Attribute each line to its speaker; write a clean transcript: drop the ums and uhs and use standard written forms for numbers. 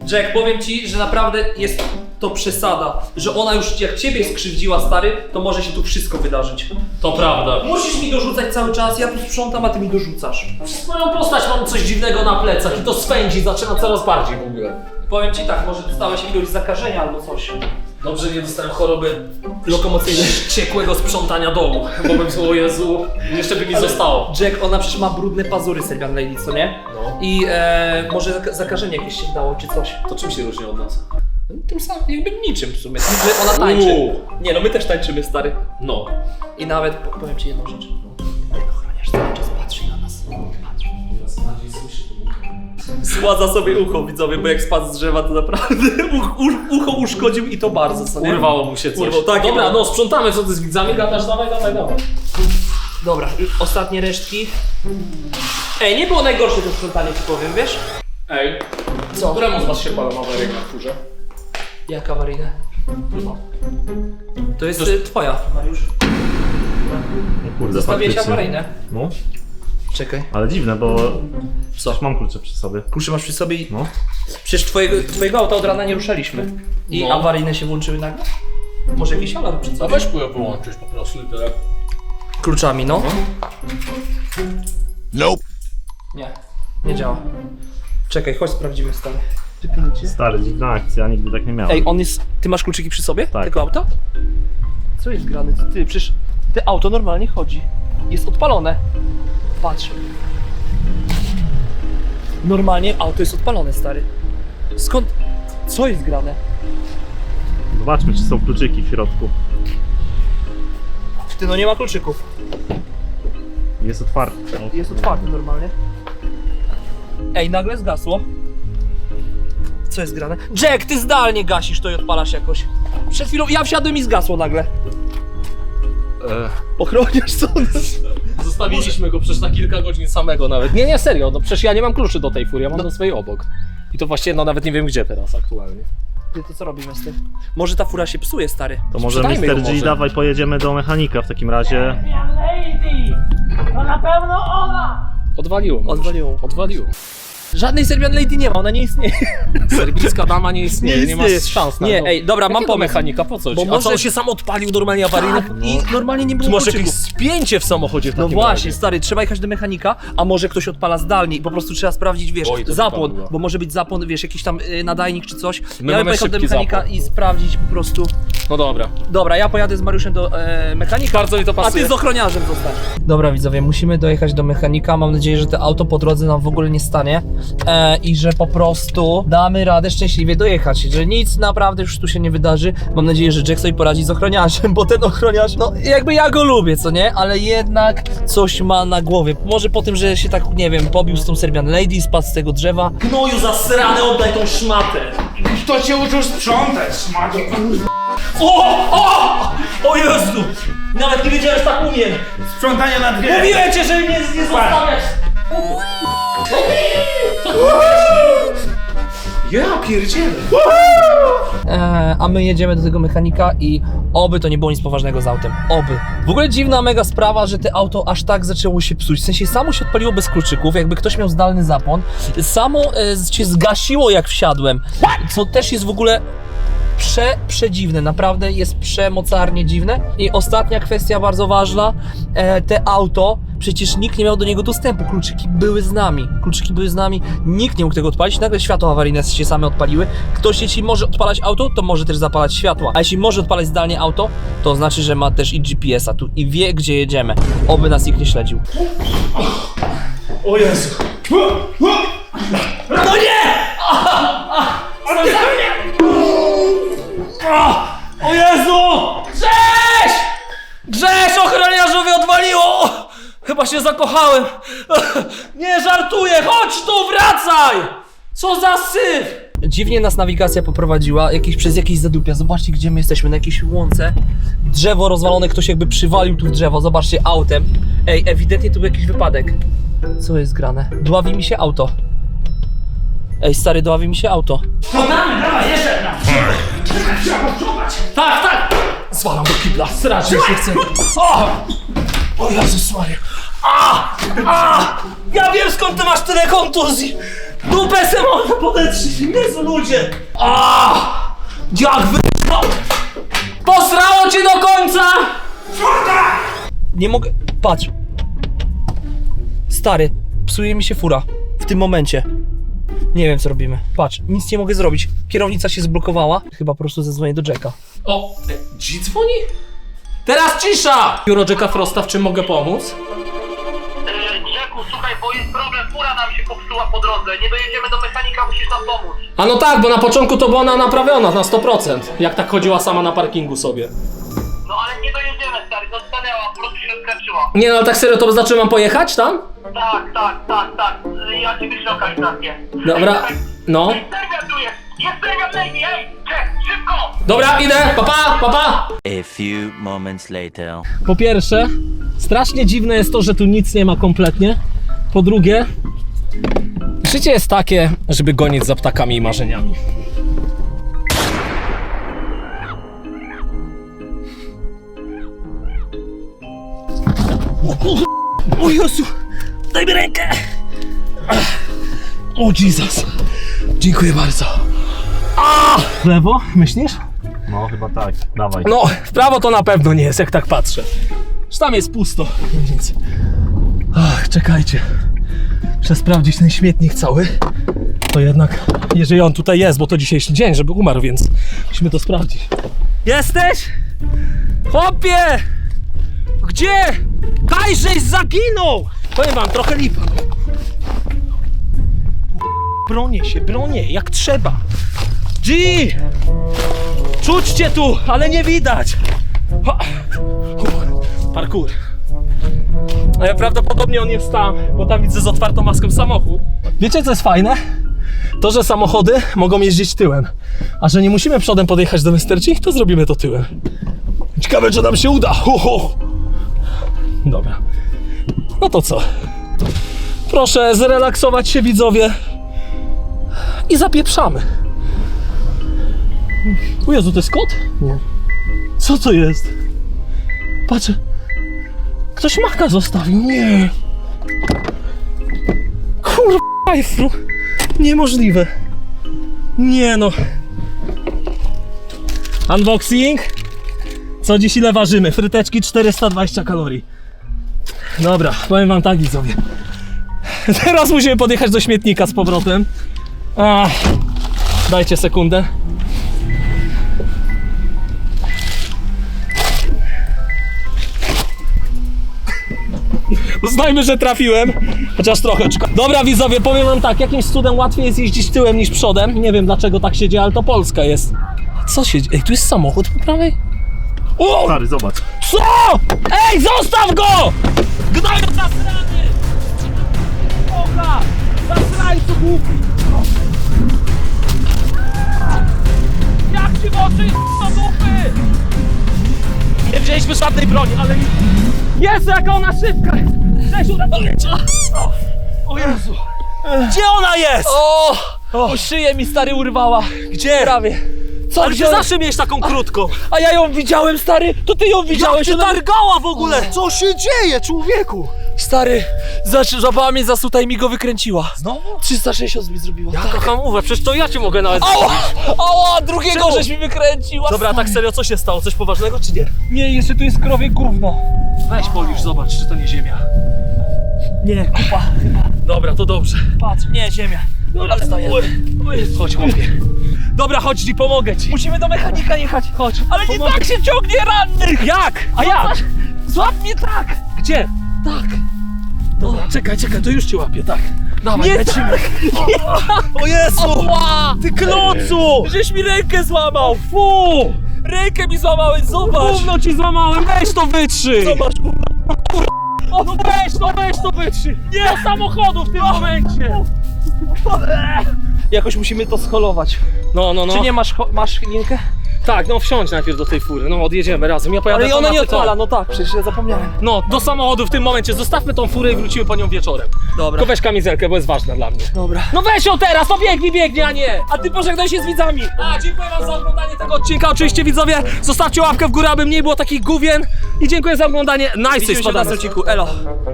Speaker 1: Jack, powiem ci, że naprawdę jest to przesada, że ona już jak ciebie skrzywdziła, stary, to może się tu wszystko wydarzyć.
Speaker 2: To prawda.
Speaker 1: Musisz mi dorzucać cały czas, ja tu sprzątam, a ty mi dorzucasz.
Speaker 2: Przez moją postać mam coś dziwnego na plecach i to swędzi, zaczyna coraz bardziej w ogóle.
Speaker 1: Powiem ci tak, może dostałeś jakiegoś zakażenia albo coś.
Speaker 2: Dobrze, nie dostałem choroby lokomocyjnej, ciekłego sprzątania domu, bo bym o Jezu, jeszcze by mi zostało.
Speaker 1: Jack, ona przecież ma brudne pazury, Serbian Lady, co nie?
Speaker 2: No.
Speaker 1: I może zakażenie jakieś się dało, czy coś.
Speaker 2: To czym się różni od nas?
Speaker 1: Tym samym, jakby niczym w sumie, tym, że ona tańczy. Nie no, my też tańczymy, stary.
Speaker 2: No.
Speaker 1: I nawet, powiem ci jedną rzecz. Ochroniarz cały czas patrzy na nas. Patrzy. Sładza sobie ucho, widzowie, bo jak spadł z drzewa, to naprawdę ucho uszkodził i to bardzo, co nie?
Speaker 2: Urwało mu się coś.
Speaker 1: Urwał, tak,
Speaker 2: Dobra,
Speaker 1: ja-
Speaker 2: no sprzątamy, co ty z widzami gadasz, dawaj.
Speaker 1: Dobra, i ostatnie resztki. Ej, nie było najgorsze to sprzątanie, ci powiem, wiesz?
Speaker 2: Ej,
Speaker 1: Co?
Speaker 2: któremu z was się palą awaryjne na kurze?
Speaker 1: Jak awaryjne? To jest twoja, Mariusz.
Speaker 3: Kurde,
Speaker 1: Zostawiłeś
Speaker 3: faktycznie.
Speaker 1: awaryjne.
Speaker 3: No,
Speaker 1: Czekaj.
Speaker 3: ale dziwne, bo
Speaker 1: Co?
Speaker 3: mam klucze przy sobie.
Speaker 1: Klucze masz przy sobie i...
Speaker 3: No.
Speaker 1: Przecież twojego auta od rana nie ruszaliśmy. I
Speaker 2: No.
Speaker 1: awaryjne się włączyły nagle? Może jakiś alarm przed
Speaker 2: A
Speaker 1: sobą?
Speaker 2: weź pływ wyłączyć po prostu i tyle.
Speaker 1: Kluczami, no.
Speaker 4: Nope.
Speaker 1: Nie działa. Czekaj, chodź sprawdzimy, stary.
Speaker 3: Stary, dziwna akcja, nigdy tak nie miałem.
Speaker 1: Ej, on jest... Ty masz kluczyki przy sobie?
Speaker 3: Tak.
Speaker 1: Tego auta? Co jest grane? Ty, przecież... Te auto normalnie chodzi. Jest odpalone. Patrz. Normalnie auto jest odpalone, stary. Skąd... Co jest grane?
Speaker 3: Zobaczmy, czy są kluczyki w środku.
Speaker 1: Ty, no nie ma kluczyków.
Speaker 3: Jest otwarty.
Speaker 1: Jest otwarty normalnie. Ej, nagle zgasło. Co jest grane? Jack, ty zdalnie gasisz to i odpalasz jakoś. Przed chwilą ja wsiadłem i zgasło nagle. Ochroniarz co?
Speaker 2: Zostawiliśmy go przecież na kilka godzin samego nawet. Nie, serio, no przecież ja nie mam kluczy do tej furii, ja mam do swojej obok. I to właściwie, no nawet nie wiem gdzie teraz aktualnie.
Speaker 1: Ty, to co robimy z tym? Może ta fura się psuje, stary.
Speaker 3: To może
Speaker 2: Sprzedajmy
Speaker 3: Mr.
Speaker 2: go
Speaker 3: G,
Speaker 2: może.
Speaker 3: dawaj pojedziemy do mechanika w takim razie.
Speaker 5: Lady! To na pewno ona!
Speaker 2: Odwaliło mu.
Speaker 1: Odwaliło.
Speaker 2: Odwaliło.
Speaker 1: Żadnej Serbian Lady nie ma, ona nie istnieje.
Speaker 2: Serbijska dama nie istnieje, nie ma
Speaker 1: istnieje.
Speaker 2: szans na
Speaker 1: Nie,
Speaker 2: to.
Speaker 1: ej, dobra, mam
Speaker 2: Jakiego
Speaker 1: pomysł.
Speaker 2: mechanika, po co ci?
Speaker 1: Bo
Speaker 2: A co,
Speaker 1: może-
Speaker 2: on się sam odpalił normalnie awaryjny?
Speaker 1: I normalnie nie
Speaker 2: Ty
Speaker 1: było
Speaker 2: masz
Speaker 1: kluczyków.
Speaker 2: jakieś spięcie w samochodzie w
Speaker 1: No
Speaker 2: takim
Speaker 1: właśnie,
Speaker 2: razie.
Speaker 1: stary, trzeba jechać do mechanika, a może ktoś odpala zdalnie i po prostu trzeba sprawdzić, wiesz,
Speaker 2: Oj, to
Speaker 1: zapłon,
Speaker 2: wypadło.
Speaker 1: bo może być zapłon, wiesz, jakiś tam nadajnik czy coś.
Speaker 2: My
Speaker 1: Ja bym
Speaker 2: mamy
Speaker 1: pojechał do
Speaker 2: szybki
Speaker 1: mechanika
Speaker 2: zapłon.
Speaker 1: i sprawdzić po prostu.
Speaker 2: No dobra.
Speaker 1: Dobra, ja pojadę z Mariuszem do mechanika.
Speaker 2: Bardzo mi to
Speaker 1: A
Speaker 2: pasuje.
Speaker 1: ty z ochroniarzem zostań. Dobra widzowie, musimy dojechać do mechanika. Mam nadzieję, że to auto po drodze nam w ogóle nie stanie i że po prostu damy radę szczęśliwie dojechać, że nic naprawdę już tu się nie wydarzy. Mam nadzieję, że Jack sobie poradzi z ochroniarzem, bo ten ochroniarz, no jakby ja go lubię, co nie? Ale jednak coś ma na głowie. Może po tym, że się tak, nie wiem, pobił z tą Serbian Lady, spadł z tego drzewa. Gnoju zasrany, oddaj tą szmatę.
Speaker 5: Kto cię uczył sprzątać, szmato?
Speaker 1: O Jezu! Nawet nie wiedziałem, że tak umiem.
Speaker 5: Sprzątanie na dwie!
Speaker 1: Mówiłem cię, że mnie nie zostawiać.
Speaker 2: Ja pierdzielę.
Speaker 1: A my jedziemy do tego mechanika i oby to nie było nic poważnego z autem. Oby. W ogóle dziwna mega sprawa, że to auto aż tak zaczęło się psuć. W sensie samo się odpaliło bez kluczyków, jakby ktoś miał zdalny zapłon. Samo się zgasiło jak wsiadłem. Co też jest w ogóle przedziwne, naprawdę jest przemocarnie dziwne. I ostatnia kwestia bardzo ważna, te auto, przecież nikt nie miał do niego dostępu, kluczyki były z nami, nikt nie mógł tego odpalić, nagle światła awaryjne się same odpaliły. Ktoś jeśli może odpalać auto, to może też zapalać światła, a jeśli może odpalać zdalnie auto, to znaczy, że ma też i GPS-a tu i wie, gdzie jedziemy, oby nas nikt nie śledził.
Speaker 2: O Jezu.
Speaker 1: No nie! O Jezu! Grześ, ochroniarzowi odwaliło! Chyba się zakochałem. Nie żartuję, chodź tu, wracaj! Co za syf! Dziwnie nas nawigacja poprowadziła przez jakieś zadupia. Zobaczcie, gdzie my jesteśmy, na jakiejś łące. Drzewo rozwalone, ktoś jakby przywalił tu w drzewo, zobaczcie, autem. Ej, ewidentnie tu był jakiś wypadek. Co jest grane? Dławi mi się auto. Ej, stary, dławi mi się auto.
Speaker 5: Sprzątamy, dawaj, jeszcze jedna! Trzeba posprzątać!
Speaker 1: Tak! Zwalam do kibla, strasznie się chce. O Jezus Maria. Ja wiem, skąd ty masz tyle kontuzji! Dupę se można podetrzeć! Jezu, ludzie! A! Jak wyszło!
Speaker 2: Posrało cię do końca!
Speaker 1: Nie mogę... Patrz. Stary, psuje mi się fura. W tym momencie. Nie wiem, co robimy. Patrz, nic nie mogę zrobić. Kierownica się zblokowała. Chyba po prostu zadzwonię do Jacka.
Speaker 2: O, G dzwoni? Teraz cisza! Biuro Jacka Frosta, w czym mogę pomóc?
Speaker 4: Jacku, słuchaj, bo jest problem, fura nam się popsuła po drodze, nie dojedziemy do mechanika, musisz nam pomóc.
Speaker 2: A no tak, bo na początku to była ona naprawiona na 100%. Jak tak chodziła sama na parkingu sobie.
Speaker 4: No ale nie dojedziemy, stary, stanęła, po prostu się skręciła.
Speaker 2: Nie no, ale tak serio, to znaczy mam pojechać tam?
Speaker 4: Tak, ja ci wyślę lokalizację.
Speaker 2: Dobra, no.
Speaker 4: Jest Serbian tu jest Serbian Navy, ej, Jack, szybko!
Speaker 2: Dobra, idę, papa!
Speaker 6: A few moments later.
Speaker 2: Po pierwsze, strasznie dziwne jest to, że tu nic nie ma kompletnie. Po drugie, życie jest takie, żeby gonić za ptakami i marzeniami.
Speaker 1: O Jezu! Daj mi rękę! O Jezus! Dziękuję bardzo.
Speaker 2: W lewo, myślisz?
Speaker 3: No chyba tak, dawaj.
Speaker 2: No, w prawo to na pewno nie jest, jak tak patrzę. Że tam jest pusto, więc... Ach, czekajcie. Muszę sprawdzić ten śmietnik cały. To jednak, jeżeli on tutaj jest, bo to dzisiejszy dzień, żeby umarł, więc musimy to sprawdzić.
Speaker 1: Jesteś? Chłopie! Gdzie? Kajżeś zaginął!
Speaker 2: Powiem wam, trochę lipa.
Speaker 1: Bronię, jak trzeba. G! Czuć cię tu, ale nie widać. Ha.
Speaker 2: Parkour. Ale prawdopodobnie on jest tam, bo tam widzę z otwartą maską samochód. Wiecie co jest fajne? To, że samochody mogą jeździć tyłem, a że nie musimy przodem podjechać do Westerci, to zrobimy to tyłem. Ciekawe, czy nam się uda. Dobra. No to co? Proszę zrelaksować się, widzowie. I zapieprzamy. O Jezu, to jest kot? Nie. Co to jest? Patrz. Ktoś maka zostawił. Nie. Kurwa, Efru. Niemożliwe. Nie no. Unboxing. Co dziś ile ważymy? Fryteczki 420 kalorii. Dobra, powiem wam tak, widzowie. Teraz musimy podjechać do śmietnika z powrotem. Ach, dajcie sekundę. Uznajmy, że trafiłem. Chociaż trochę. Dobra, widzowie, powiem wam tak, jakimś cudem łatwiej jest jeździć tyłem niż przodem. Nie wiem dlaczego tak się dzieje, ale to Polska jest. Co się dzieje? Ej, tu jest samochód po prawej? O!
Speaker 3: Stary, zobacz.
Speaker 2: Co? Ej, zostaw go! Gnoju zasrany! Oka! Zasrańcu głupi! Jak ci w oczy do dupy! Nie wzięliśmy żadnej broni, ale... Jezu, jaka ona szybka! Cześć, uratuję cię! O Jezu! Gdzie ona jest?
Speaker 1: O, szyję mi stary urwała.
Speaker 2: Gdzie?
Speaker 1: Prawie. Co,
Speaker 2: Ale ty
Speaker 1: gdzie ona-
Speaker 2: zawsze miałeś taką krótką!
Speaker 1: A ja ją widziałem, stary. To ty ją widziałeś.
Speaker 2: Jak ty
Speaker 1: ona-
Speaker 2: targała w ogóle? Co się dzieje, człowieku?
Speaker 1: Stary, złapała mnie za suta i mi go wykręciła. Znowu? 360 mi zrobiła.
Speaker 2: Ja kocham mówię, przecież to ja cię mogę nawet
Speaker 1: Ała, drugiego
Speaker 2: Czemu?
Speaker 1: żeś mi wykręciła.
Speaker 2: Dobra, a tak serio, co się stało? Coś poważnego czy nie?
Speaker 1: Nie, jeszcze tu jest krowie gówno.
Speaker 2: Weź polisz, zobacz, czy to nie ziemia.
Speaker 1: Nie, kupa.
Speaker 2: Dobra, to dobrze.
Speaker 1: Patrz, nie, ziemia. Dobra, wstajemy.
Speaker 2: Chodź, chłopie. Dobra, chodź ci, pomogę ci.
Speaker 1: Musimy do mechanika jechać.
Speaker 2: Chodź.
Speaker 1: Ale nie
Speaker 2: pomogę
Speaker 1: tak
Speaker 2: ci.
Speaker 1: się ciągnie rannych.
Speaker 2: Jak? A jak?
Speaker 1: Złap mnie tak.
Speaker 2: Gdzie?
Speaker 1: Tak.
Speaker 2: Dobra, czekaj, to już cię łapię, tak.
Speaker 1: Dawaj,
Speaker 2: Nie
Speaker 1: lecimy.
Speaker 2: O Jezu!
Speaker 1: Ała!
Speaker 2: Ty klocu!
Speaker 1: Żeś mi rękę złamał. Fu! Rękę mi złamałeś, zobacz.
Speaker 2: Gówno ci złamałem, weź to wytrzyj!
Speaker 1: Zobacz,
Speaker 2: O, no weź to wytrzyj! Nie! Do samochodu w tym momencie!
Speaker 1: jakoś musimy to scholować.
Speaker 2: No.
Speaker 1: Czy nie masz linkę?
Speaker 2: Tak, no wsiądź najpierw do tej fury, no odjedziemy razem, ja pojadę
Speaker 1: Ale
Speaker 2: tam
Speaker 1: ona
Speaker 2: na
Speaker 1: nie
Speaker 2: tytoń.
Speaker 1: odpala, no tak, przecież ja zapomniałem.
Speaker 2: No, do samochodu w tym momencie, zostawmy tą furę i wrócimy po nią wieczorem.
Speaker 1: Dobra.
Speaker 2: Tylko weź kamizelkę, bo jest ważna dla mnie.
Speaker 1: Dobra.
Speaker 2: No weź ją teraz, no biegnie, a nie!
Speaker 1: A ty pożegnaj się z widzami.
Speaker 2: A, dziękuję wam za oglądanie tego odcinka, oczywiście widzowie, zostawcie łapkę w górę, aby mniej było takich gówien i dziękuję za oglądanie, nice,
Speaker 1: Widzimy się w
Speaker 2: spadamy.
Speaker 1: następnym odcinku. Elo.